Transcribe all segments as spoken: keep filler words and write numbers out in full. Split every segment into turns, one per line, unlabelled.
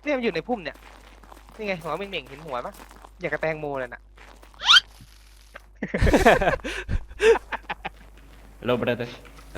เนี่ยมันอยู่ในพุ่มเนี่ยนี่ไงหัวเม่งๆเห็นหัวปะอยากกระแตงโมเลยน่ะ
Hello brother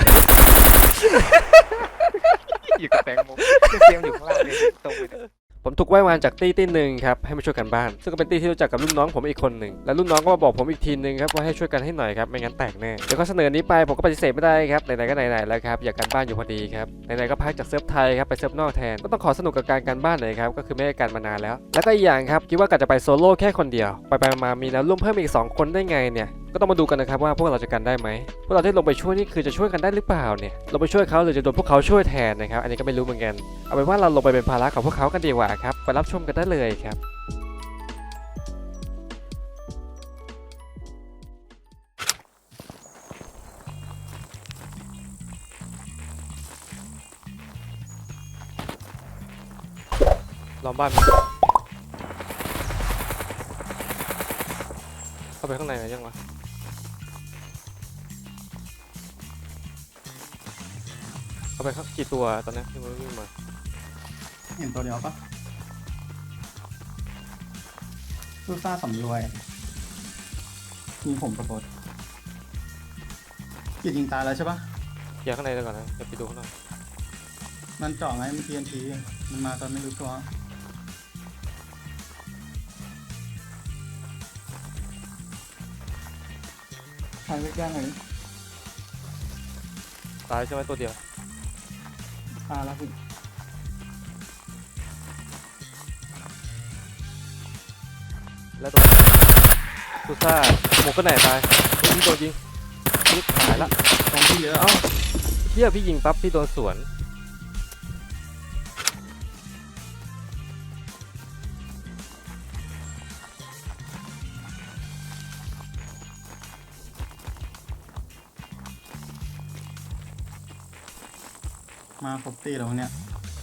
อยู่กระแตงโมเสียมอยู่ข้างล่างเลยตรงไปเลย
ผมถูกไว้วานจากตี้ตี้หนึ่งครับให้มาช่วยกันบ้านซึ่งก็เป็นตี้ที่รู้จักกับรุ่นน้องผมอีกคนหนึ่งและรุ่นน้องก็มาบอกผมอีกทีนึงครับว่าให้ช่วยกันให้หน่อยครับไม่งั้นแตกแน่เดี๋ยวเขาเสนอนี้ไปผมก็ปฏิเสธไม่ได้ครับไหนๆก็ไหนๆแล้วครับอยากกันบ้านอยู่พอดีครับไหนๆก็พักจากเซิร์ฟไทยครับไปเซิร์ฟนอกแทนก็ต้องขอสนุกกับการกันบ้านหน่อยครับก็คือไม่ได้กันมานานแล้วแล้วก็อีกอย่างครับคิดว่ากะจะไปโซโล่แค่คนเดียวไปไปมามีแล้วร่วมเพิ่มอีกสองคนได้ไงเนี่ยก็ต้องมาดูกันนะครับว่าพวกเราจะกันได้ไหมพวกเราที่ลงไปช่วยนี่คือจะช่วยกันได้หรือเปล่าเนี่ยเราไปช่วยเขาหรือจะโดนพวกเขาช่วยแทนนะครับอันนี้ก็ไม่รู้เหมือนกันเอาเป็นว่าเราลงไปเป็นภาระของพวกเขากันดีกว่าครับไปรับชมกันได้เลยครับล้อมบ้านเข้าไปข้างในหรือยังวะเข้าไปข้างกี่ตัวตอนนี้ที่มันวิ่งมา
เห็นตัวเดียวปะลูซ่าสำรวยมีผมกระโดดกิดยิงตายแล้วใช่ปะ
เคลียร์ข้างในเลยก่อนนะเดี๋ยวไปดูข้างนอก
มันเจาะไงมัน ที เอ็น ที มันมาตอนไม่รู้ตัวใครไม่แก้ไหน
ตายใช่ไหมตัวเดียว
ตายแล้วพี่
แล้วตัวซูซ่าหมวกก็ไหนตายเฮ้ยพี่โดนยิงพี่หายละ
ตรงที่เยอะ
เอ้าเฮียพี่ยิงปั๊บพี่โดนสวน
มาครบตีแล้วเนี่ย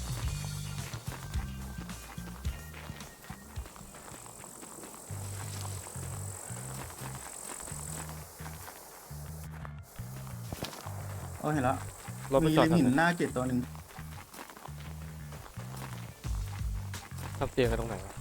โอ้เห็นแล้ว
รถไป
มี
จอด
ริมหิน
ทำ
หน้าเกตตัวหนึ่ง
ทำเตียงกันตรงไหนวะ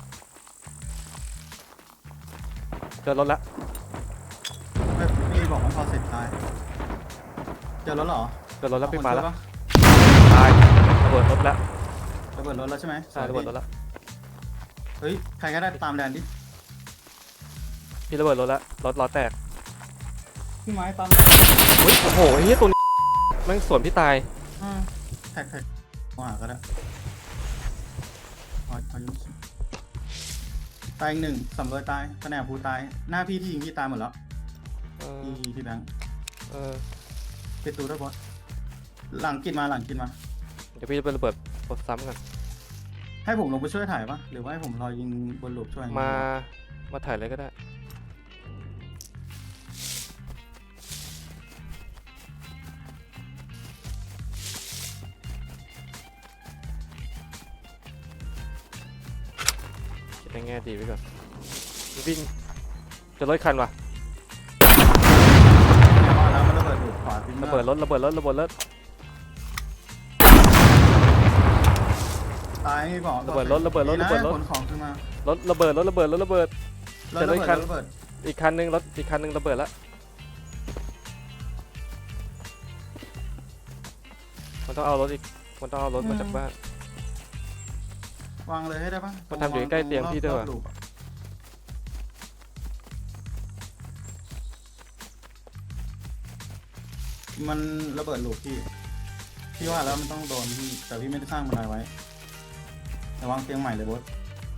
เจอรถละ
ไม่พี่บอกว่าพอเสร็จตายเจอรถเหรอ
เจอรถแล้วพี่มาแล้ว
เอคนช่ยปะ
ตายระเบิดรถละ
ระเบิดรถแล้วใช่ไหม
ใช่ระเบิดรถละ
เฮ้ยใครก็ได้ตามแดนดิ
พี่ระเบิดรถละรถล้อแตก
พี่ไม้ตาม
เฮ้ยโอ้โหเฮียตัวนี้แม่งสวนพี่ตาย
อ่าแท็กแท็กมาหาก็ได้พอพอยุ่งสิตายอีกหนึ่งสำรวยตายแผนกภูตายหน้าพี่ที่ยิงพี่ตายหมดแล้ว
เออ
พี่พี่แบงค์
เออ
ปิดตูด้วยบอสหลังกินมาหลังกินมา
เดี๋ยวพี่จะไประเบิดรถซ้ำกัน
ให้ผมลงไปช่วยถ่ายปะหรือว่าให้ผมรอยิงบนหลุมช่วย
มามาถ่ายเลยก็ได้คิดในแง่ดีไว้ก่อนวิ่งจะรถคันวะ
ว่าแล้วมันระเบิดหลุมขวาทิ้ง
ระเบิดรถระเบิดรถระเบิดรถ
ตายไม่บอก
ระเบิดรถระเบิดรถ
ดีน
ระเบิดรถ
ขนของขึ้นมาร
ถระเบิดรถระเบิดรถระเบิด
รถระเบิด
จะรถคัน
รถระเบิด
อีกคันนึงรถอีกคันนึงระเบิดแล้วมันต้องเอารถอีกมันต้องเอารถมาจากบ้าน
วางเลยให้ได้ปะ
มันทำอยู่ใกล้เตียงพี่ด้วยวะ
รอบๆหลุมอะมันระเบิดหลุมพี่พี่ว่าแล้วมันต้องโดนพี่แต่พี่ไม่ได้สร้างบันไดไว้แต่วางเตียงใหม่เลยบอส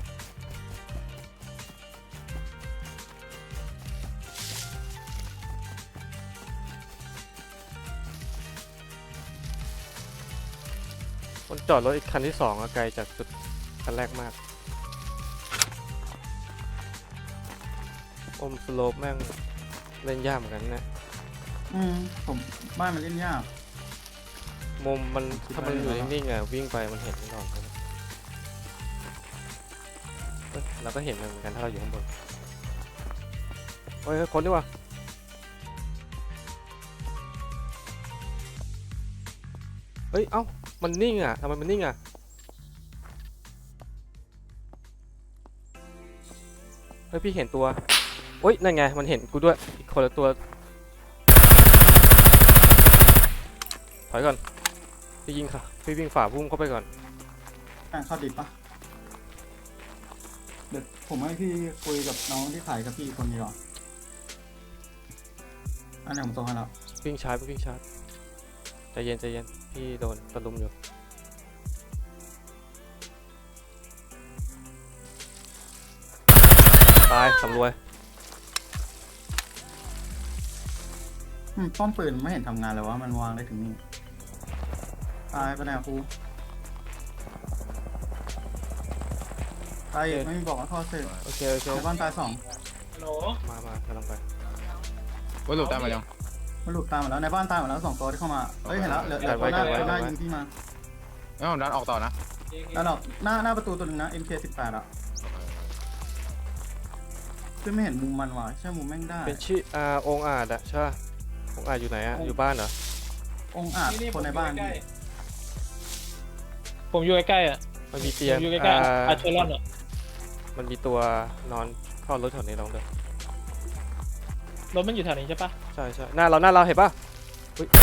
มันจอดรถอีกคันที่สองอะไกลจากจุดคันแรกมากอมสโลปแม่งเล่นยากเหมือนกันนะ
อืมผมบ้านมันเล่นยาก
มุมมัน
คิด
ถ้า
ว่า
มันอยู่
ยังไงวะ
นิ่งๆอะวิ่งไปมันเห็นไม่หรอกเอ้ยเราก็เห็นมันเหมือนกันถ้าเราอยู่ข้างบนเฮ้ยเฮ้ยคนดีกว่าเฮ้ยเอ้ามันนิ่งอะทำไมมันนิ่งอะเฮ้ยพี่เห็นตัวโอ๊ยนั่นไงมันเห็นกูด้วยอีกคนละตัวถอยก่อนพี่ยิงค่ะพี่วิ่งฝ่าพุ่มเข้าไปก่อน
อ่ะเข้าดิบปะเดี๋ยวผมให้พี่คุยกับน้องที่ขายกับพี่คนนี้ก่อนอันนี้ผมส่งให้แล้ว
วิ่งชาร์จวิ่งชาร์จใจเย็นใจเย็นพี่โดนตะลุมอยู่ตายสำรวย
อืมป้อมปืนไม่เห็นทำงานเลยวะมันวางได้ถึงนี่ตายไปแล้วครูตายอีกไม่มีบอกว่าท่อเสร็จ
โอเคโอเค
ในบ้านตายสอง
ฮัลโหล
มามากำลังไป
ว่าหลุดได้มายัง
มันหลุดตามหมดแล้วในบ้านตายหมดแล้วสองตัวที่เข้ามาเฮ้ยเห็นแล้วเหลือเหลือตัวหน้าตัวหน้ายิงพี่มา
งั้นผมดันออกต่อนะ
แล้วหรอกหน้าหน้าประตูตัวหนึงนะ เอ็ม เค สิบแปดอ่ะคือไม่เห็นมุมมันว่ะใช่มุมแม่งได้
เป็นชื่ออ่าองค์อาจอะใช่ป่ะองค์อาจอยู่ไหนอะอยู่บ้านเหรอ
องค์อาจคนในบ้านพี่
ผมอยู่ใกล้ๆอ่ะ
มันมี
ผ
เตียง
มอยู่ใกล้
อ่า
ๆอาร์เชอรอนอ่ะ
มันมีตัวนอนเข้ารถแถวนี้ลองเลย
รถมันอยู่แถวนี้ใช่ปะ
ใช่ใช่หน้าเราหน้าเราเห็นป่ะอุ๊ย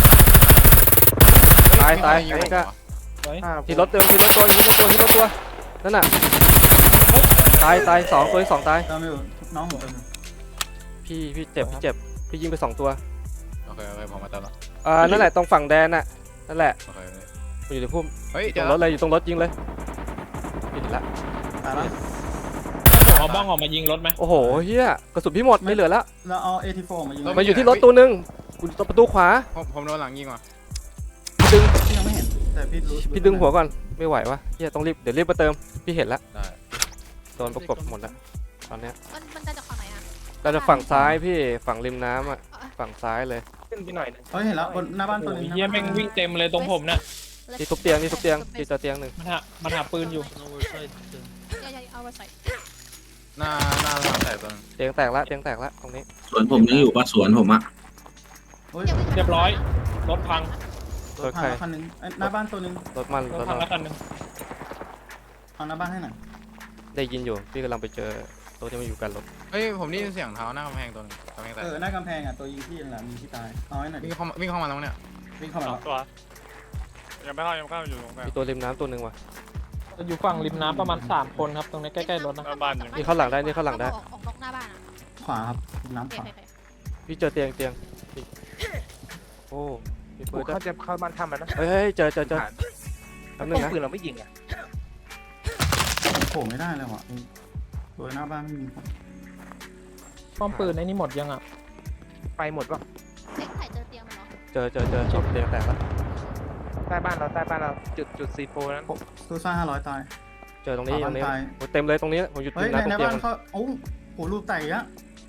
ตายตาย
ยิง
ไอ้กะ
ไว้
อ่า
ที่รถเดินที่รถตัวที่รถตัวที่รถตัวนั่นน่ะตายตายสองตัวที่สองตาย
ตามอยู่น้องผมเป็น
พี่พี่เจ็บพี่เจ็บพี่ยิงไปสองตัว
โอเคโอเคผมมาเติมแล้ว
อ่านั่นแหละตรงฝั่งแดนน่ะนั่นแหละ
โอเค
มันอยู่ในพุ่ม
เฮ้ย
ต
เดี๋
ร
ยว
งรถเลยอยู่ตรงรถยิงเลยผิดละ
ตายแล้ว
ผมเอาบ้องออกมายิงรถไหม
โอ้โหเฮียกระสุนพี่หมดไม่เหลือแล้ว
เราเอา เอ ที โฟร์ มายิง
มันอยู่ที่รถตัวหนึงอยู่ตรงประตูขวา
ผมผมโดนหลังยิงว่ะ
พี่ดึง
พี่ยังไม่เห็นแต่พี่รู้
พี่ดึงหัวก่อนไม่ไหววะเฮียต้องรีบเดี๋ยวรีบมาเติมพี่เห็นละ
ได้
โดนประกบหมดแล้วตอนเนี้ย
มันมันได้จากฝั่งไหนอ่ะ
เราจะฝั่งซ้ายพี่ฝั่งริมน้ำอ่ะ
เออ
ฝั่งซ้ายเลย
ขึ้นไปหน่อยหนึง
เฮ้ยเห็นแล้วบนหน้าบ้านตัวหนึง
เฮียแม่งวิ่งเต็มเลยตรงผมเนี่ย
ที่ทุบเตียงที่ทุบเตียงที่เจอเตียงหนึ่ง
มันหามันหาปืนอยู่
อย่าอย่าเอาไปใส่
หน้าหน้าหลังแตกตัวนึง
เตียงแตกละเตียงแตกละตรงนี้
สวนผมยังอยู่ปะสวนผมอะ
เฮ้ย
เรียบร้อยรถพัง
รถพังแล้วคันหนึงเอ้ยหน้าบ้านตัวหนึง
รถมัน
ร
ร
ถ
ถ
พัง
เรา
แล้วคันหนึง
เอาหน้าบ้านให้หน่อย
ได้ยินอยู่พี่กำลังไปเจอตัวที่มันอยู่กันรถ
เฮ้ยผมได้ยินเสียงเท้าหน้ากำแพงตัวนึงกำแพงแตก
เออหน้ากำแพงอ่ะตัวยิงพี่นั่นแหละมีที่ตายเอาให้หน่อยดิ
วิ่งเข้ามาวิ่งเข้ามาแล้วเนี่ย
วิ่งเข้ามาแล้ว
ตัวยังไม่เข้ายังไม่เข้าอยู่ตรงกลาง
มีตัวริมน้ำตัวหนึ่งว่ะ
อยู่ฝั่งริมน้ำประมาณสามคนครับตรงนี้ใกล้ๆรถนะ
นี่เข้าหลังได้นี่เข้าหลังได้
ออกออกนอกหน้าบ้านอ่ะ
ขวาครับน้ำ
โอเค
ขวา
โอเค
พี่เจอเตียงเตียงนี่โอ้มีปื
โอ้
นด้วย
เขาจะเข้าบ้านทำแล้วนะ
เฮ้ยเฮ้ยเจอเจอเจอ
ผ่าน
แป๊บนึ
ต้อง ง
นะ
ปืนเราไม่ยิงอ่ะ
โผล่ไม่ได้เลยว่ะตัวหน้าบ้านไม่มีคน
ป้อมปืนไอ้นี่หมดยังอ่ะ
ไปหมดป่ะ
เอ๊ะถ่ายเจอเตียงมันเหรอ
เจอเจอเจอเตียงแตกแล้ว
ใต้บ้านเราใต้บ้านเราจุดจุดซีโฟนั้น
ซูซ่าห้าร้อยตาย
เจอตรงนี้
ข
ต
วา
รงนี้
บ้านตาย
โอ้เต็มเลยตรงนี้ผมอยู่ริ
เฮ้ย
ม
ใน
น้ำตร
ใน
งเตีย
บ้าง นเขาโอ้โหรูปไต่อะ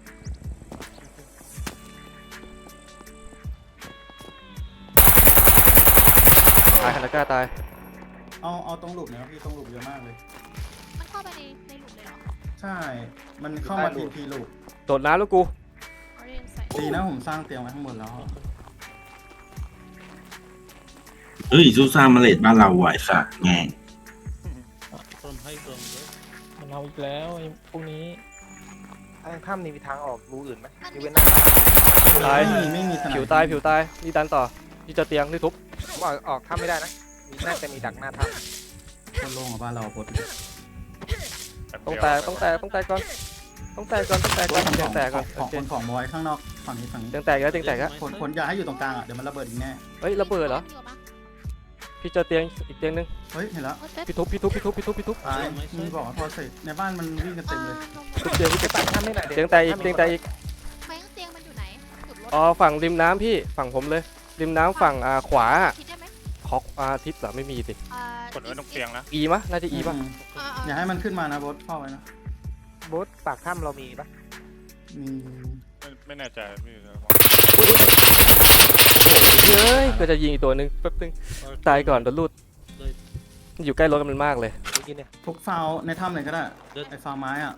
ตายคานาก้าตาย
เอาเอาตรงหลุมเนี่ยพี่ตรงหลุมเยอะมากเลย
มันเข้าไปในในหลุมเลยเหรอ
ใช่ มันเข้ามาทีพีหลุม
โดดน้ำแล้วกู
เอาเรียนใส่
ดีนะผมสร้างเตียงไว้ข้างบนแล้ว
เฮ้ยซูซ่ามาเลดบ้านเราไหวสัตว์แงง
มันเอาอีกแล้วไอ้พวกนี้
ทางถ้ำนี่มีทางออกรูอื่นไหม
มัน
ยก
มี
เว้นหน้า
ตาย
ไม่มีไม่มีสนาม
ผิวตายผิวตายนี่ดันต่อนี่เจอเตียงนี่ทุบ
ผมออกออกถ้ำไม่ได้นะมีน่าจะมีดักหน้าถ้
คนโล่งกับบ้านเราปลด
ต้องแตกต้องแตกต้องแตกก่อนต้องแตกก่อนต้องแตกก่อนเตียงแตกก่อน
ข
โอ
อง
เค
คนของบอยข้างนอกฝั่งนี้ฝั่งนี้
เตียงแตกแล้วเตียงแตกแล้ว
คนคนอย่าให้อยู่ตรงกลางอ่ะเดี๋ยวมันระเบิดอีกแน่
เฮ้ยระเบิดเหรอ
มีกว่าปะ
พี่เจอเตียงอีกเตียงนึง
เฮ้ยเห็นแล้ว
เออเป๊ป
พี่ทุบพี่ทุบพี่ทุบพี่ทุบพี่ทุบ
ตายมีบอกว่าพอเสร็จในบ้านมันวิ่งกันเต็มเลย
ทุบเตียงพี่
ำไปปัดถ้ำไม่หน่อย
เตียงแตกอีกเตียงแตกอีก
แบงค์เตียงมันอยู่ไหนจุดรถ
อ๋อฝั่งริมน้ำพี่ฝั่งผมเลย ริมน้ำฝั่งอ่าขวา
คิดได้ไหม
คอกอาทิตย์เหรอไม่มีสิ
อ่าก
ดไว้ตรงเตียงนะ
อีมะน่าจะอีป่ะ
ม
อ่า
อย่าให้มันขึ้นมานะบอสเข้าไว้นะ
โบ๊ทปากถ้ำเรามีปะ
มี
ไม่ไม่แน่ใจพี่
เฮ้ยก็จะยิงอีกตัวหนึ่งแป๊บนึงตายก่อนโดนลูดอยู่ใกล้รถกันมันมากเลย
เมื่อกี้เนี่ย
พวกฟาวในถ้ำเลยก็ได้ไอ้ฟาวไม้อ่ะ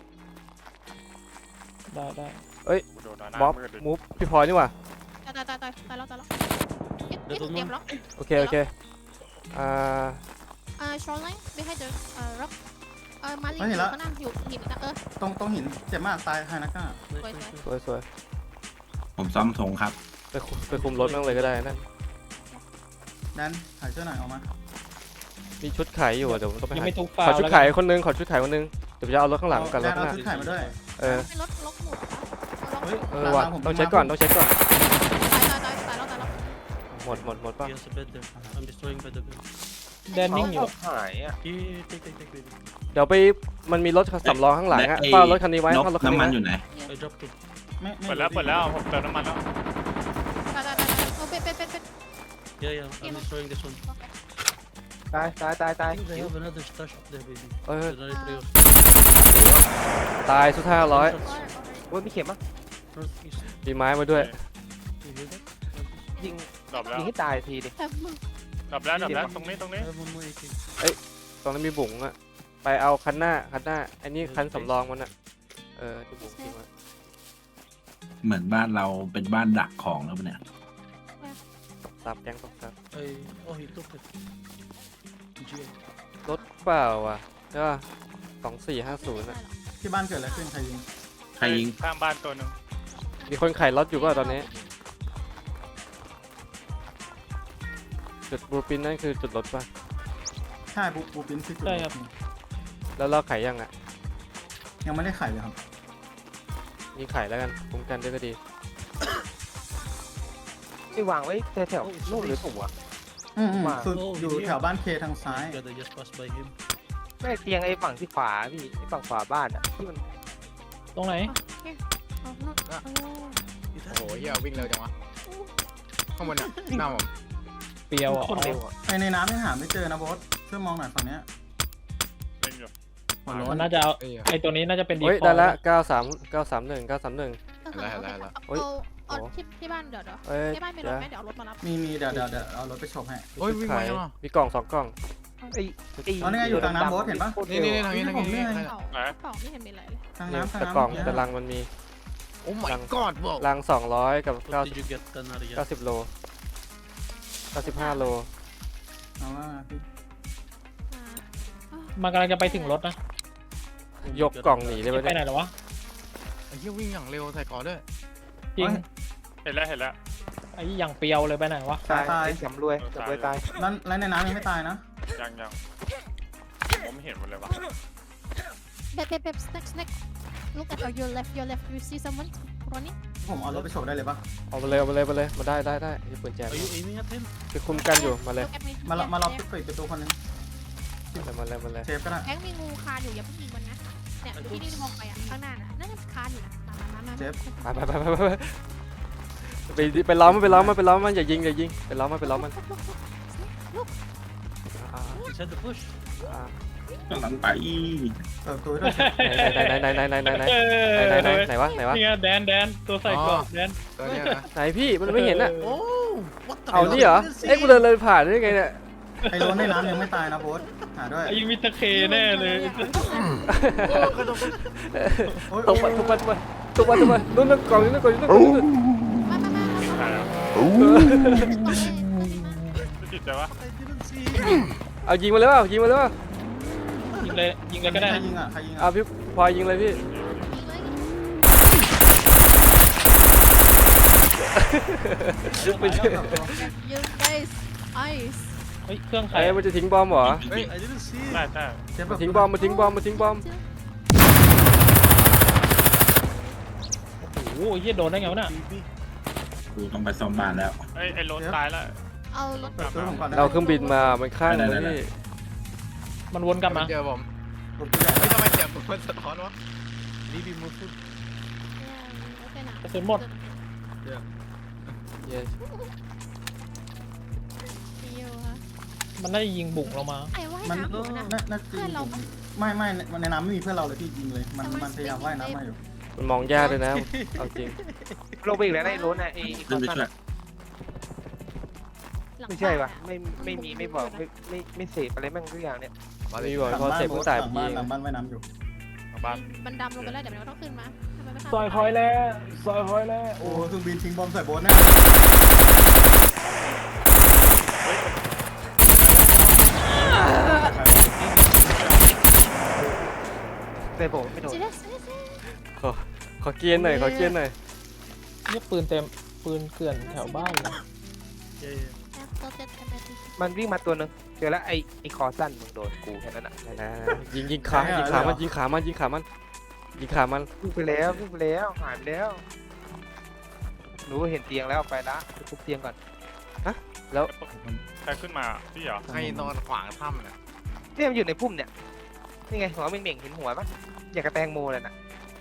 ได้ได้
บ๊อบมูฟพี่พลอยนี่หว่า
ตายตายตายตายตายแล้วตายแล้วเอ๊ะนี่ถูกเตรียมล็อก
โอเคโอเคอ่า
อ่า shoreline behind the อ่า rock เออมาลี
เฮ้ยเห็น
อยู่
ละ
ข้างหน้าอยู่หินอีกแล้วเออ
ตรงตรงหินเจ็บมากตายไฮนักก้า
สวยสวย
สวยสวย
ผมซ้อมธงครับ
ไปคุมไปคุมรถนั่งเลยก็ได้นั่น
แดนถ่ายเสื้อหน่อยเอามา
มีชุดขายอยู่อะเดี๋ยวผมต้องไป
ยัง
หา
ไม่ทุกฟา
ขอ
ว
ชุด
แล้ว
ขาย
กัน
คนนึงขอชุดขายคนนึงเดี๋ยวผมจะเอารถข้างหลังกับร
แด
ถ
น
ข้างห
เอา
น้า
ชุดถ่ายมาด้วย
เออ
เป็นรถรถหมูเอารถ
เฮ้ย
เออว่ะต้องเช็คก่อนต้องเช็คก่อน
ตายตายตายตายแล้วตายแล้ว
หมดหมดหมดป่ะ
Yes, a bit there. I'm destroying by the gun.
แดนนิ่งอยู่
หายอ่ะ
Here, take, take, take, baby.
เดี๋ยวไปมันมีรถสำรองข้างหลังอะ
ไอ้
เฝ้ารถคันนี้ไว้
นก
เฝ้ารถคันนี้
น้ำมัน
ไว้
อยู่ไหน
I dropped it.
ไม่ไม่
เปิดแล้วเปิดแล้วผมเติมน้ำมันแล้ว
ตายตายตายตายโอ้เป็นเป็นเป็นเป็น
Yeah, yeah, I'm destroying this one.
ตายตายตายตาย
I think they have another stash up there, baby.
เออ
The right rails.
ตายสุดท้ายร้อย
โอ้ยมีเข็มมั้ย
Northeast.
มีไม้มาด้วย
You hear that?
ยิง
ดรอปแล้ว
ยิงให้ตายทีดิ
แต่มึง
ดรอปแล้วดรอปแล้วตรงนี้ตรงนี้
I have one more A K.
ตอนนั้นมีบุ๋งอะไปเอาคันหน้าคันหน้าอันนี้คันสำรองมันอะเออที่บุ๋งทิ้งไว้
เหมือนบ้านเราเป็นบ้านดักของแล้วปะเนี่ย
ซับแกงตกซับ
I... Oh, he took it. G A.
รถเปล่าอ่ะใช่ป่ะสองสี่ห้าศูนย์อะ
ที่บ้านเกิดอะไรขึ้นใครยิง
ใครยิง
ข้างบ้านตัวหนึ่ง
มีคนขายรถอยู่ป่ะตอนนี้จุดบลูปินนั่นคือจุดรถป่ะ
ใช่บูบูปินที่จุด
ใช่ครับ
แล้วเราขายยังอ่ะ
ยังไม่ได้ไข่เลยครับ
มีขายแล้วกันคุ้มกันด้วยก็ดี
ไม่วางไว้แถวๆนู่นหรือถูกวะ
อืมอืม
ว่า
สุดอยู่แถวบ้านเคทางซ้าย
God, I just passed by him.
ไม่เตียงไอ้ฝั่งที่ขวาพี่ไอ้ฝั่งขวาบ้านอ่ะที่มัน
ตรงไหน
เอานู่นเอา
โอ้โหเฮียวิ่งเร็วจังวะข้างบนเนี่ยหน้าผม
เปรียวอ่ะ
คนเร็วอ่ะ
ไอในน้ำยังหาไม่เจอนะโบอสช่วยมองหน่อยฝั่งเนี้ย
เล่นอยู่
หัวโล้
มัน นน่าจะเอา
เอ้ย
ไอตัวนี้น่าจะเป็นดี
เฮ้ย
คอ
ได้
ย
ละเก้าสามเก้าสามหนึ่งเก้าสามหนึ่ง
เอา
อะไรอะไรอะไร
เฮ้ย
เอาเอา
โอ้
ที่ที่บ้านเดี๋ยวเดี๋ยว
เอ้ย
ที่บ้านมีร
เดี๋
ถ
ยว
ไหมเดี๋ยวเอารถมารับ
มีมีเดี๋ยวเดี๋ยวเดี๋ยวเอารถไปชมให้
โอ้ยวิ่ง
ขา
มาย ยังอ่ะ
มีกล่องสองกล่อง
ไอ้ไอ้
อ๋อนี่ไงอยู่กลางน้ำโบ๊ทเห็นปะ
โคตร
นี่
เร็
นี่
ว
นี่
อะ
ทางนี้ทางนี้
ผม
ทาง
เนี่ย
นี้
เป่าเป่าไม่เห็นมีอะไรเลย
ทาง
เนี่ย
น้ำทาง
แต่
น้ำ
กล่อง
เนี่ย
แต่ลังมันมี
โอ้ my god บอก
ลังสองร้อยกับเก้า
What did you get, Canaria?
เก้าสิบโลเก้าสิบห้าโล
เอาว่าพี่
อ่า
มันกำลังจะไปถึงรถนะ
ยกกล่องหนีเลย
ไป
ไป
ไหน
เนี่ย
หรอวะ
ไอ้เฮียวิ่งอย่างเร็วใส่ก่อนด้วย
จริง
เห็นแล้วเห็นแล้ว
ไอ้อย่างเปรียวเลยไปไหนวะ
ตายตาย
ไอ้สำรวยสำรวยตาย
แล้วแล้วในน้ำยังไม่ตายนะ
ยังยังผมไม่เห็นหมดเลยวะ
เบบเบบเบบ snack snack look at your left your left you see someone running
ผมเอารถไปโชว์ได้เลยปะ
เอาไปเลยเอาไปเลยไปเลยมาได้ได้ได้ที่ปืนแจก
Are you aiming at him?
ไปคุมกันอยู่มาเลย
look at me
มาเรามาเรา
Yeah,
ปิดประตูคนหนึง
มาเลยมาเลยมาเลย
เชฟก็ได้
แบงค์มีงูคานอยู่อย่าเพิ่งยิงมันนะเนี่ยที่นี่มองไปอ่ะข้างหน้าน่ะนั่นน่ะคานอยู่นะมามามามา
เชฟ
ไปไปไปไปไปไปไปล้อมมันไปล้อมมันไปล้อมมันอย่ายิงอย่ายิงไปล้อมมันไปล้อมมันอ่า
Inside the bush.
อ่า
กำลังไป
เปิดประตูให้ด้วย
ไหนไหนไหนไหนไหนไหนไหน
เออ
ไหนไหนไหนไหนวะไหนวะ
นี่ไงแดนแดนตัวใส่กรอบแดน
ตัวเนี้ยนะ
ไหนพี่มันไม่เห็นอ่ะ
Oh, what the
เอานี่เหรอเอ้ยกูเดินเลยผ่านได้ไงเนี่ย
ไอ้รถในน้ำยังไม่ตายนะโบสหาด้วย
ไอ้มิสเตอร์เคแน่เลย
โอ้ย
ตบมาตบมาตบมาตบมาตบมานู่นนั่นกล่องนี้นั่นกล่องนี้นั่นกล่องนี้นั่น
มามามา
ยิงใครอ่ะ
โอเค
ไม่ติดใจวะ
I didn't see him.
เอายิงมาเลยเปล่ายิงมาเลยเปล่า
ยิงเลยยิงเลยก็ได้
ใครยิงอ่ะใครยิง
เอา
อ่ะ
พี่พลอยยิงเลยพี่
ไปแล้วเปิดประตู
you guys ice
เฮ้ยเครื่องใคร
ไอ้มันจะทิ้งบอมเหรอ
เฮ้ย
I didn't see
ได้
him.
ได้
เชฟเปิ
มา
ด
ทิ้งบอมมาทิ้งบอมมาทิ้งบอม
โอ้โหเฮียโดนได้ไงวะน่ะ
Baby.
กูต้องไปซ่อมบ้านแล้ว
ไอ้ไอ้รถตายแล้ว
เอารถ
เปิดประตูผมก่อนนะ
เราเครื่องบินมามันข้างเลยพี่
มันวนกลับมา
เจอผม
ผมตัวใหญ่
เฮ้ยทำไมเสียงผมมันสะท้อนวะ
Baby, move food.
กระสุนหมด
เย้
มันได้ยิงบุกเรามา
ไอ้ว่าย
มัน
น้ำอยู่นะ
น่าน่าจะ
เพื่อนเราปะ
ไม่ไม่ในน้ำไม่มีเพื่อนเราเลยพี่ยิงเลย มันมันพยายามว่ายน้ำมาอยู่
มันมองยากเลยนะเอาจริง
ลงไปอีกแล้วนะไอ้รถน่ะไอ้ไอ้ค
ขึ้
อน น
ไป
ตัน
ช่วย
อะไม่ใช่ปะไม่ไม่มีไม่บอกไม่ไม่ไม่เสพอะไรแม่งทุกอย่างเนี่ย
มาเลย
มีบอก
หลัง
พอ
บ้าน
เสร็จ
โบ๊
เพิ่
ท
งตาย
หลัง
พี่
บ้านหลังบ้านว่ายน้ำอยู่
ของบ้าน
มันดำลงไปแล้วเดี๋ยวมันต้องขึ้นมาทำไมไม่ทำ
ซอยคอยแล้วซอยคอยแล้ว
โอ้เครื่องบินทิ้งบอมใส่โบ๊ทแน่
ไใส่ผมไม่โดน
See this? See this?
ขอเกียร์หน่อยขอเกียร์หน่อย
เนี่ยปืนเต็มปืนเกลื่อนแถวบ้านเลย
Yeah, yeah.
Yeah, got that M S D.
มันวิ่งมาตัวหนึงเจอแล้วไอ้ไอ้คอสั้นมึงโดนกูแค่นั้นอ่ะ
นะยิงยิงขายิงขามันยิงขามันยิงขามันยิงขามัน
วิ่งไปแล้ววิ่งไปแล้วหายไปแล้วหนูเห็นเตียงแล้วไปละไปทุบเตียงก่อน
ใครขึ้นมาพี่เหรอ
ให้นอนขวางถ้ำเนี่ย
เนี่ยมันอยู่ในพุ่มเนี่ยนี่ไงหัวเหม่งๆเห็นหัวปะอยากกระแตงโมเลยน่ะ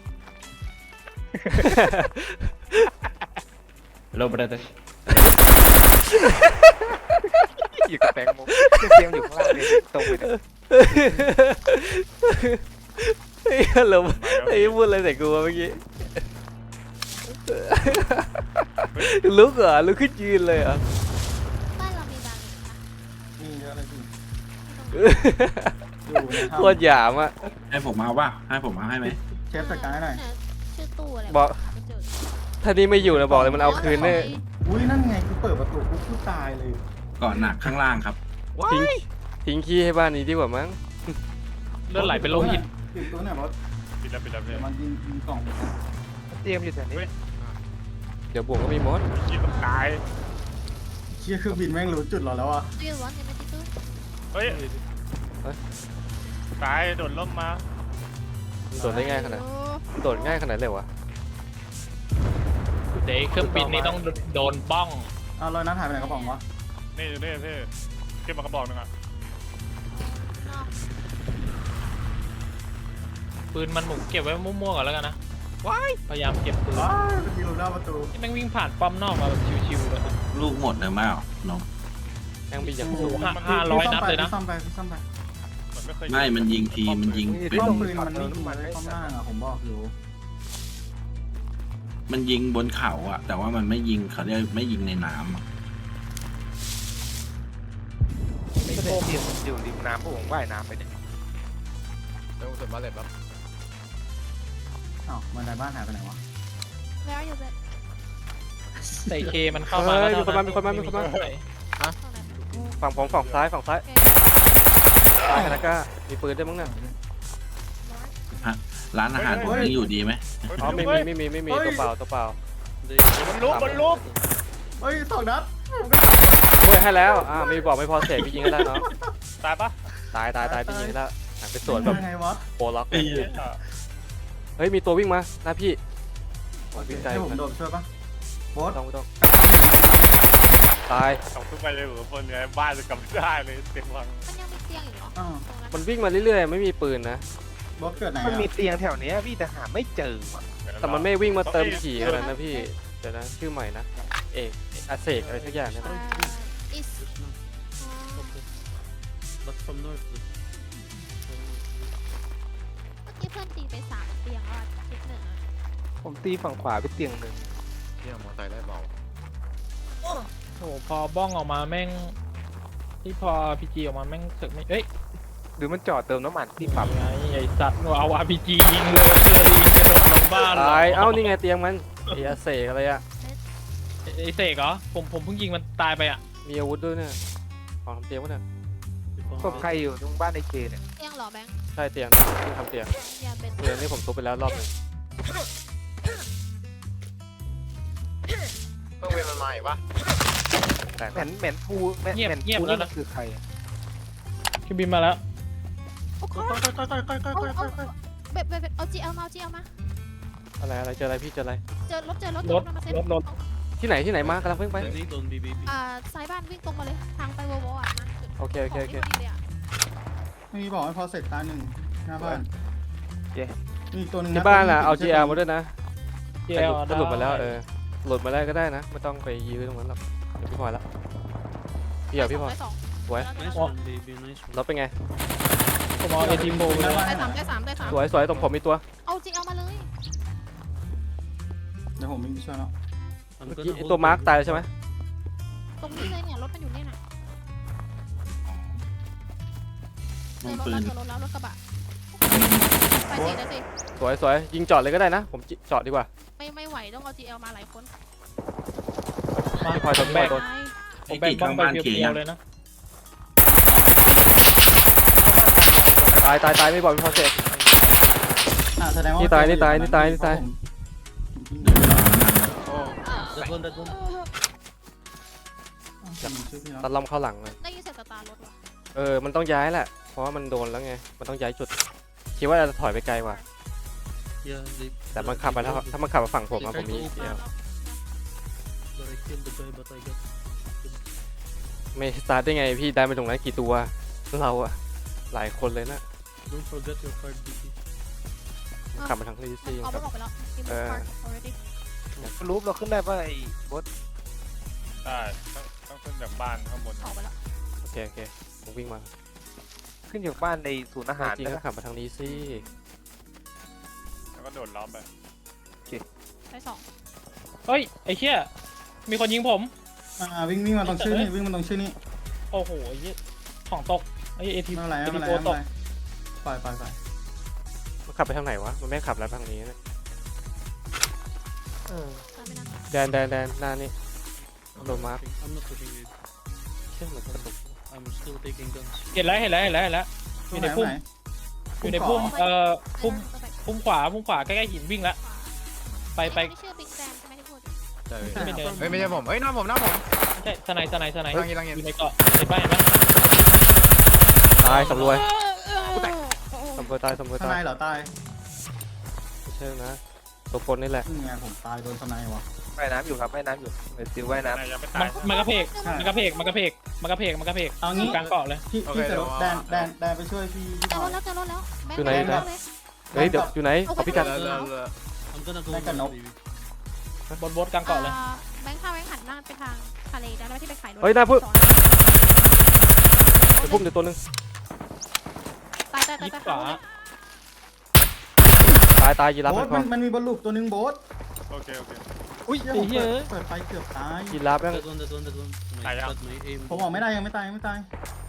Hello, brother.
อยากกระแตงโมเตียงอยู่ข้างล่างเลยตรงไปเนี่ย
เฮ้ยเราไอ้พูดอะไรใส่กูวะเมื่อกี้ลุกเหรอลุกขึ้นยืนเลยเหรอ
บ้านเรามีบางอีกนะ
มีเยอะเลยพี่
ไม่ต้อง
อยู่ใน
โคตร
ถ้ำ
หยามอ่ะ
ให้ผมเอาป่ะให้ผมเอาให้ไหม
เชฟจัดการให้หน่อย
เนี่ยชื่อตู้อะไร
บอก
หาไม่เจอ
ถ้านี่ไม่อยู่นะบอกเลยมันเอาคืนแน่
อุ้ยนั่นไงกูเปิดประตูกูพูดตายเลย
เกาะหนักข้างล่างครับ
ทิ้งทิ้งขี้ให้บ้านนี้ดีกว่ามั้ง
เลือดไหลเป็นโลหิต
ปิดตัวหน่อยบอส
ปิดแล้วปิดแล้ว
เดี๋
พี่
ยวมันยิงยิงกล่อง
เตียงอยู่แถวนี้
เดี๋ยวบวกก็มีมด
กินต้องตาย
เชี่ยเครื่องบินแม่งรู้จุดเราแล้วอ่ะ
Do you want M S D too?
เฮ้ยตายโดนล่มมา
โดดได้ง่ายขนาดโดดง่ายขนาดเลยวะ
เดี๋ยวเครื่องบินนี่ต้องโดนบ้อง
เอาลอยน้ำหายไปไหนกระป๋องวะ
นี่อยู่นี่พี่เก็บมากระบอกหนึงอ่ะ
No.
ปืนมันหมุนเก็บไว้มั่วๆก่อนแล้วกันนะพยายามเก็บปืน
อ้าวมันยิงลงหน้าประตู
ที่แม่งวิ่งผ่านป้อมนอกมาแบบชิวๆเลย
ลูกหมดเลยมั้ยอ่ะน้อง
ยังมีอย่าง
โอ้โห
สูง
ห้าห้าร้อยนัดเลยนะ
พี่ซ่อมไปพี่ซ่อมไป
มันไม่เคย
ไม่มันยิงทีมันยิง
นี่
เป็น
ต้
ซ่อ
อ
ม
ง
ปื
ปื
น
น
มัน
มัน
ไม่
ไม่
ยิง
มัน
เลย
ไม่
ซ่อม
สั่
ล่างอ่ะผมบอกอยู่
มันยิงบนเขาอ่ะ แต่ว่ามันไม่ยิงเขาเรียกไม่ยิงในน้ำอะ
ไม่ได้เตียงมันอยู่ริมน้ำพวกผมว่ายน้ำไปเนี่ย
เดี๋ยวสุดมาเลยแบบ
อ้าวมันในบ้านหายไปไหนวะ
Where are you at?
ใส่เคมันเข้ามาแล้ว
มีคนมามีคนมามีคนมา
ข้างใน
ฝั่งผมฝั่งซ้ายฝั่งซ้ายซ้ายคานาก้ามีปืนด้วยมั้งน่ะ
ร้านอาหารผมยังอยู่ดีไหม
อ๋อไม่มีไม่มีไม่มีตัวเปล่าตัวเปล่า
บนลุกบนลุก
เฮ้ยสองนัด
โอ้ยให้แล้วอ่ามีบอกไม่พอเสร็จพี่ยิงก็ได้เนาะ
ตายปะ
ตายตายตายพี่ยิงแล้วหันไปสวนแบบ
ยังไงวะ
โปรล็อกเลยเฮ้ยมีตัววิ่งมาหน้าพี่วิ่งไกล
ให้
เห
ผ
มือน
ม
กัน
โดดช่วยปะโบ
ไม่
ส
ต้องไม่ต้องตาย
เอาขึ้นไปเลยเหรอคนเนี้ยบ้านจะกลับไม่ได้เลยเต็มวัง
มันยังมีเตียงอีกเหรอ
อ้าว
ตรงนั้น
มันวิ่งมาเรื่อยๆไม่มีปืนนะ
โบสเกิดไหน
มัน
อ่ะ
มีเตียงแถวเนี้ยพี่แต่หาไม่เจอว่ะ
แต่มันไม่วิ่งมาเติมขี่ขนาดนั้นนะพี่เดี๋ยวนะชื่อใหม่นะเอกอาเสกอะไรสักอย่างเนี่ย
อ่า is
But from north.
เมื่อกี้เพื่อนตีไปสามเตียงแล้วอะคิดหนึ่งอะ
ผมตีฝั่งขวาไปเตียงหนึ่ง
เที่ยมอไซค์ได้เบา
โอ้โหพอบ้องออกมาแม่งที่พอพีจีออกมาแม่งสึกไม่เอ้ย
หรือมันจอดเติมน้ำมันที่ปั๊ม
ไงไอสัตว์เอาอาร์พีจียิงเลยเลยยิงกระโดดลงบ้านเหรอ
ตายเอ้านี่ไงเตียงมันไอ้อาเสกอะไรอะ
ไอเสกเหรอผมผมเพิ่งยิงมันตายไปอ่ะ
มีอาวุธด้วยเนี่ยของทำเตียงวะเนี่ย
ศพใครอยู่ตรงบ้านไอเคเนี่ย
เตียงเหรอแบงค์
ใช่เตียงที่ทำเตียง
อย่าเป็น
เตียงนี่ผมทุบไปแล้วรอบหนึง
เครื่องบินมันมาอีกปะ
แตก
แหมนแหมนภูแหมนแหมนภูนี่มันคือใครอะ
คือบินมาแล้ว
โอ้โห
ก้อยก้อยก้อยก้อยก้อยก้อยก้อยก้อย
เบบเบบเบบเอาจีเอลมาเอาจีเอลมา
อะไรอะไรเจออะไรพี่เจออะไร
เจอรถเจอรถ
รถ
เจอมาเซ็ต
รถรถ
ที่ไหนที่ไหนมากำลังเพิ่งไป
Danny, don't be baby.
อ่าซ้ายบ้านวิ่งตรงมาเลยทางไปโวโวอ่ะมา
โอเคโอเคโอเค
ขงที่พดีเลยอะ
ไม่มีบอกให้พอเสร็จตายหนึ่งหน้าบ้านมีอีกตัวหนึงะ
ที่บ้านล่ะเอา จี แอล มาด้วยนะ
เจ
แต่
ล
หลุดก็หลุดมาแล้วเออหลุดมาได้ก็ได้นะไม่ต้องไปยื้อตรงนั้นหรอกเดี๋ยวพี่พลอยละพี่เอาพี่พลอย
ได้สอง
สวย
Nice one, baby. Nice one.
แล้วเป็นไง
ผมเอาเอทีโฟไปเลย
ได้สามได้สามได้สาม
สวยสวยตรงผมมีตัว
เอาจีเอลมาเลย
เดี๋ยวผมวิ่งไปช่วยแล้ว
I'm
เมื่อ
gonna
กี้
hold
ตัวมาร์ก
baby.
ตายแล้วใช่ไหม
ตรงนี้เลยเนี่ยรถมันอยู่เนี่ยน่ะ เจ
มั
อน รถ
ปื
แล้ว
น
เจอรถแล้วรถกระบะไปสิได้สิ
สวยสวยยิงจอดเลยก็ได้นะ ผมจิจอดดีกว่า
ไม่ไม่ไหวต้องเอาจีเอลมาหลายคน
พี่พลอยโดนพี่พลอยโดน
ผมแบ่งบ้องไปเพียวๆเลยนะ
ตายตายตายไม่บอกพี่พลอยเสร็จ
อ่ะแสดงว่า
นี่ตายนี่ตายนี่ตายนี่ตาย
โอ้
That one, that one.
ชื่อพี่
ตัด
เนาะ
ลำเข้าหลังเลย
ได้ยินเสียงสตาร์รถว่ะ
เออมันต้องย้ายแหละเพราะว่ามันโดนแล้วไงมันต้องย้ายจุดคิดว่าจะถอยไปไกลกว่า
Yeah, they.
แต่มันขับมาถ้าถ้ามันขับมาฝั่งผมอะผมมีเดียว
But I killed the guy, but I got.
ไม่สตาร์ทได้ไงพี่ได้ไปตรงนั้นกี่ตัวเราอะหลายคนเลยนะ
Don't forget your card, B T.
ขับมาทางลีซี่
เอา
ค
ร
รั
ถ
บ
ออกไปแล้ว Give
เอ
me
อ
card already
รูปเราขึ้นได้ป่ะไอ้บด
ได้ต้องต้องขึ้นจากบ้านข้างบน
ออกไปแล้ว
โอเคโอเคผมวิ่งมา
ขึ้นจากบ้านในศูนย์อาหาร
จริง
ได้
ก็
ปะ
ขับมาทางนี้สิ
แล้วก็โดดล้อมไป
ได้สอง
เฮ้ยไอ้เหี้ยมีคนยิงผม
อ่าวิ่งวิ่งมาตรงชื่อนี่วิ่งมาตรงชื่อนี่
โอ้โหไอ้เหี้ยของตกไอ้เอที
ไม่เป็นไร
เอ
ไม่
ที
เป็นไร
โฟ
ไม่เป็น
ต
ไร
ก
ปล่อยปล่อยปล่อย
มันขับไปทางไหนวะมันไม่ขับแล้วทางนี้นะ
เออ
ตามไม่นาน
แดนแดนแดนหน้านี่
I'm
Don't
not
mark.
pushing. I'm not pushing it.
เชื่อเหมือนกระตุก
I'm still taking guns.
เห็นแล้วเห็นแล้วเห็นแล้วเห็นแล้วอยู่ในพุ่มอยู่ในพุ่มเอ่อพุ่มพุ่มขวาพุ่มขวาใกล้ๆหินวิ่งแล้วไปไป
นี่ชื่อบิ๊กแซมใช่ไหมที่พูด
ใช่
ไม่เดิน
เฮ้ยไม่ใช่ผมเฮ้ยหน้าผมหน้าผม
ไม่ใช่สไนด์สไนด์สไนด์
ลังยิงลังยิง
อยู่ในเกาะเห็นป่ะเห็นป่ะ
ตายสำรวยสำรวยตายสำรวย
ข้าง
ตา
ใน
ย
เหรอตาย
ไม่ใช่นะตัวปนนี่แหละ
นี่ไงผมตายโดนทนายวะ
ว่ายน้ำอยู่ครับว่ายน้ำอยู่เดี๋ยวซิวว่ายน้
นายยังไม่
มั
ตาน ย
มันกระเพก
ใช่
มันกระเพกมันกระเพกมันกระเพกมันกระเพก
เอางี้
กลางเกาะเลย
พี่พี่จะแดนแดนแดนไปช่วยพี่พี่
เจ
ห
อ
น่
ร
อย
ถแล้วเจอรถแล้วแบง
อยู่
ค์
ไหน
แบงค์
นะ
เลย
เฮ้ยเดี๋ยวอยู่ไหนเอาพี่กัด
แล้วแล้วแล้ว
I'm gonna go.
Like a nope.
Baby.
บนบนกลางเกาะเลย
อ่าแบงค์พาแบงค์หันหน้าไปทางทะเลได้ไหมที่ไปขายรถ
เฮ้ยหน้าพึ่ง
สอน
ไปพุ่มเดี๋ยวตัวหนึง
ตายตายตาย
ยิบ
ตาย
ขวา
ตายตายยีราฟ
โบ๊
แม่
ท
งก่อน น
มัมันมีบอลลูกตัวหนึ่งโบ๊ท
โอเคโอเค
อุ้ย
ไอ้เหี้ย
เปิดไฟเกือบตาย
ยีราฟแม่ง
That one, that one, that one. My,
Ah, yeah.
but my aim.
ผมออกไม่ได้ยังไม่ตายยังไม่ตาย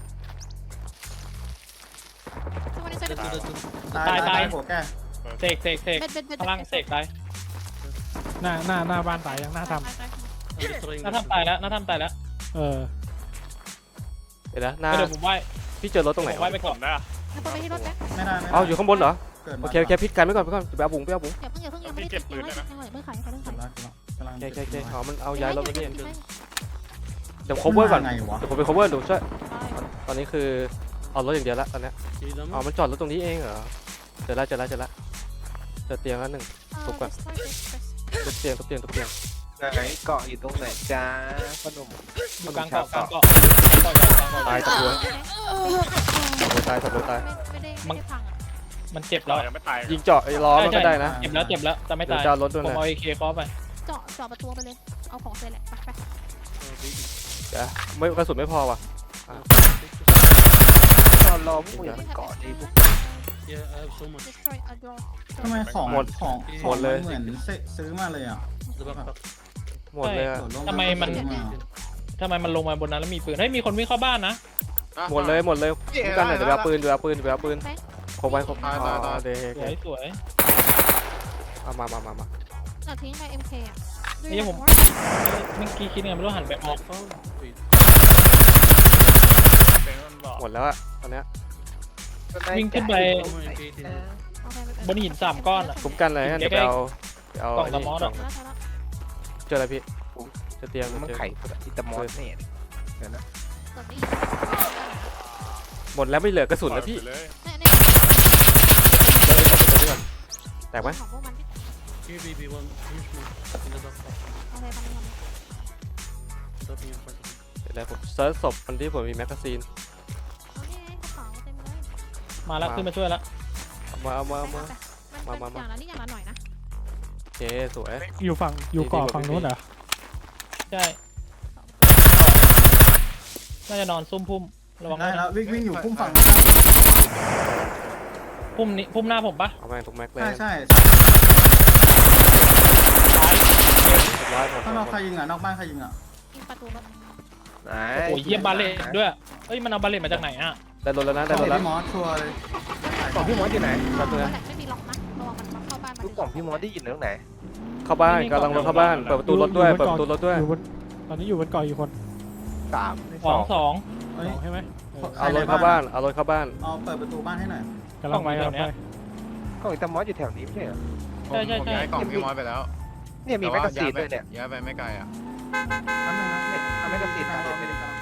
ทุกวันนี้ใส่เบ็ด
That
เบ็
one,
ด
that one.
ตาย
ตาย
ตา
ตาย ย
หัวแก
เสกเสกเสก
เบ็ดเบ็ดเบ็ด
ข้างล่างเสกตาย
หน้าหน้าหน้าบ้านตายยังหน้าท
ตายตาย
I'm destroying
หน้า
this.
ทำตายแล้วหน้าทำตายแล้ว
ำเออ
เดี๋ยวนะหน้า
เดี๋ยวผมไหว้
พี่เจอรถตรงไหน
ผมไหว้
วะ
ไป
ผ
ก่อน
มนะ
แล้วไปที่รถแบงค์
ไม่ได้ไม่ได้
เอาอยู่ข้างบนเหรอ
เกิด
โอ
มา
เคโอเคพี่กันไว้ก่อนไว้ก่อนไปเอาบุ๋งไปเอาบุ๋ง
อย่าเพิ่งอย่าเพิ่งยังไม่ได้ติดยังไม่ได้ติดยังไม่ได้เพิ่งขายเพิ่ง
เกิ
ขา
ด
ย
แล้วกำลัง
โอเคโอเคโอเค
เก็บ
อ๋อ
ไว้
มันเอาย้ายรถมาเนี่ย
ใช่
เดี๋ยว cover ก่อน
ไงวะ
เดี๋ยวผมไป cover ดูช่วย
ใช่
ตอนนี้คือเอารถอย่างเดียวละตอนเนี้ย
See them?
อ๋อมันจอดรถตรงนี้เองเหรอเจอแล้วเจอแล้วเจอแล้วเจอเตียงแล้วหนึ่ง ทุบก่อน ทุบเตียงทุบเตียงทุบเตียง
ำไหนเกาะอยู่ตรงไหนจ้าพ่อหนุ่ม
อยู่กลางเกาะกลางเกาะกลางเกาะกลางเกาะ
ตายตะกัวตายตะกัวตาย
ไม่ได้ไม่ได้พังอ่ะ
มันเจ็บ
เรา
แล้ว
ยังไม่ตาย
ยิงเจาะไอ้ล้อมันก็ได้นะ
เจ็บแล้วเจ็บแล้วแต่ไม่
เดี๋ย
ตา
วย จะเอารถด้วย
ผม
นะ
เอาเอเคคอไป
เจาะเจาะประตูไปเลยเอาของเสร็จแหละไปไป
Oh, baby.
เดี๋ยวไม่กระสุนไม่พอว่ะ
ตอนรอพวกมึงมันเกาะดีพวก
Yeah, I have so much.
destroy a door
ทำไมของ
หมด
ของ
หมดเลย
เหมือนซื้อมาเลยอ่ะ
The backpack.
หมดเลยอะ
โดดลง
ทำไมมัน
ซื้อมา
ทำไมมันลงมาบนนั้นแล้วมีปืนเฮ้ยมีคนวิ่งเข้าบ้านนะ
หมดเลยหมดเลยทุกกันเลยเดี๋ยวไปเอาปืนเดี๋ยวไปเอาปืนเดี๋ยวไปเอาปืน
แบงค์
ครบไว้ครบ
ตายตายตาย
อ๋อเดี๋ยว
สวยสวย
เอามามามามา
เราทิ้งไป เอ็ม เค อ่ะ
นี่ผม เมื่อกี้คิดไงไม่รู้หันไปออก
Oh, wait.
เป็นมันบอก
หมดแล้วอะตอนเนี้ย
วิ่งขึ้นไป
Somewhere in eighteen.
บนหินสามก้อนอะ
คุ้มกันเลยงั้นเดี๋ยวไปเอาไปเอา
กล่อง
ไอ้
ส
นี่
มอส
กล่
อะ
อง
แล้วแล้ว
เจออะไรพี่เจอเตียง
มัน
เจอ
ไข่อิตาอสเนี่ยเดี๋ยวนะ
กดได้
หมดแล้วไม่เหลือกระสุนแล้วพี่
ปล่อยไปเลย
เนี่ยเนี่ย
เดี๋ยวไอ้ของมันจะเลื่อนแตกไหม
ของพวกมันที่
Here, baby, one. Finish me. In the backpack.
โอเคทำทำ
Dropping in front of me.
เดี๋ยวนะผมเซิร์ชศพมันที่ผมมีแมกกาซีน
เอานี่ไงกระเป๋าเต็มเลย
มาแล้วขึ้นมาช่วยแล้ว
เอามาเอามาเอามา
มา
มา
มา
มา
อย่างละนิดอย่างละหน่อยนะ
โอเคสวย
อยู่ฝั่งอยู่เกาะ
ดีๆ
ฝั่งนู้นเหรอ
ใช่น่าจะนอนซุ่มพุ่มระวัง
ได้
นะ
แล้ววิ่งวิ่งอยู่พุ่มฝั่ง
พุ่มนี้พุ่มหน้าผมปะ
เอาแม่งทุกแม็กเลย
ใช่ใช่
เรียบร้อยหมด
ข้างนอก
หม
ใคร
ด
ยิงอ่ะนอกบ้านใครยิงอ่ะ
ยิงประตูรถ
ไหน
โอ้ยเยี่ยมบาเลตด้วยเอ้ยมันเอาบาเลตมาจากไหนอะ
ได้รถแล้วนะ
ได้
ได้รถแล้ว
พี่มอสชัวร์เลย
กล่องพี่มอสอยู่ไหน
แป๊บนึงนะ
แต่ไม่มีล็อกนะระวังมันมาเข้าบ้านมา
ลูกกล่องพี่มอสได้ยินตรงไหน
เข้าบ้านกำลังรถเข้าบ้านเปิดประตูรถด้วยเปิดประตูรถด้วย
อยู่บนตอนนี้อยู่บนเกาะอยู่คน
สาม
สองสอง
เฮ้ย
สองใช่ไหม
เอารถเข้าบ้านเอารถเข้าบ้าน
เอาเปิดประตูบ้านให้หน่อย
กำลังไป
กล้องอยู่
กำลัง
แถวเนี้
ไป
ย
กล่องอิตามอสอยู่แถวนี้ไม่ใช่เหรอ
ผมผมย้ายกล่องพี่มอสไปแล้ว
เนี่ยมีแมกกาซีนด้วยเนี่ย
ย้ายไปไม่ไกลอ่ะ
แป๊บนึงนะ
เนี่ยเอาแมกกาซีน
กำลั
มาง
รอ
เห็นไหม
กำลัง